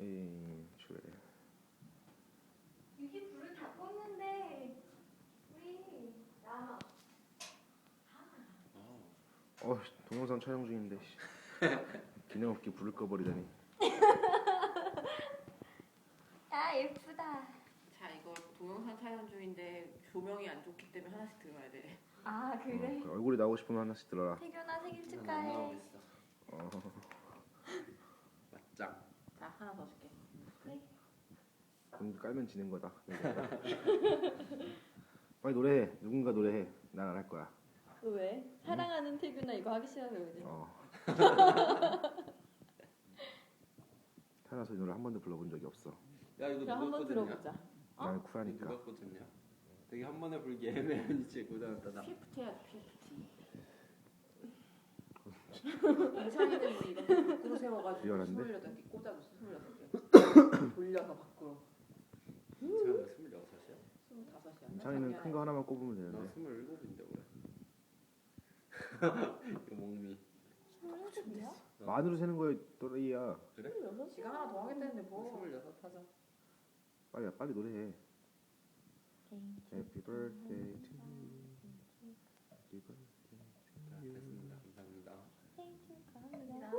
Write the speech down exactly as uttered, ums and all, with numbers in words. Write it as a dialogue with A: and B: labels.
A: 에이, 그래.
B: 여기 불을 다 껐는데 우리 남아.
A: 어, 동영상 촬영 중인데. 씨. 기능 없게 불을 꺼버리다니.
B: 아 예쁘다.
C: 자 이거 동영상 촬영 중인데 조명이 안 좋기 때문에 하나씩 들어야 돼.
B: 아 그래?
A: 어, 얼굴이 나오고 싶으면 하나씩 들어라.
B: 태균아 생일
D: 안
B: 축하해.
D: 나오겠어.
A: 어,
D: 맞짱.
C: 자 하나 더 줄게.
A: 공기 깔면 지는 거다. 빨리 노래해. 누군가 노래해. 난 안 할 거야.
B: 왜? 사랑하는 태균아 이거 하기 싫어서 그래.
A: 어. 태어나서 이 노래 한 번도 불러본 적이 없어.
D: 야 이거
B: 그럼
D: 누가
B: 한번
D: 거든냐?
B: 들어보자. 어?
A: 난
D: 이거
A: 쿨하니까.
D: 누가 거든냐? 되게 한 번에 불기 애매한 위치에 꽂아놨다.
C: 피프티 해야지 피프티. 이상이는 우리 이거 밖으로 세워가지고
A: 리얼한데?
C: 스물여덟 개 꽂아줬어 스물여덟 개. 돌려서 밖으로.
D: 제가 스물여섯이야?
C: 스물다섯이야.
A: 창이는 큰 거 하나만 꼽으면
D: 나
A: 되는데.
D: 스물일곱인데 왜? 이거 목미.
B: 스물여섯이야?
A: 만으로 세는 거에 또래야.
D: 그래?
B: 스물여섯이야?
C: 지가 하나 더 하겠다는데 뭐.
D: 스물여섯 하자.
A: 빨리 빨리 노래해.
B: 생일
A: Happy birthday to you. Happy birthday
D: 자, 됐습니다. 감사합니다.
B: 생일 축하합니다.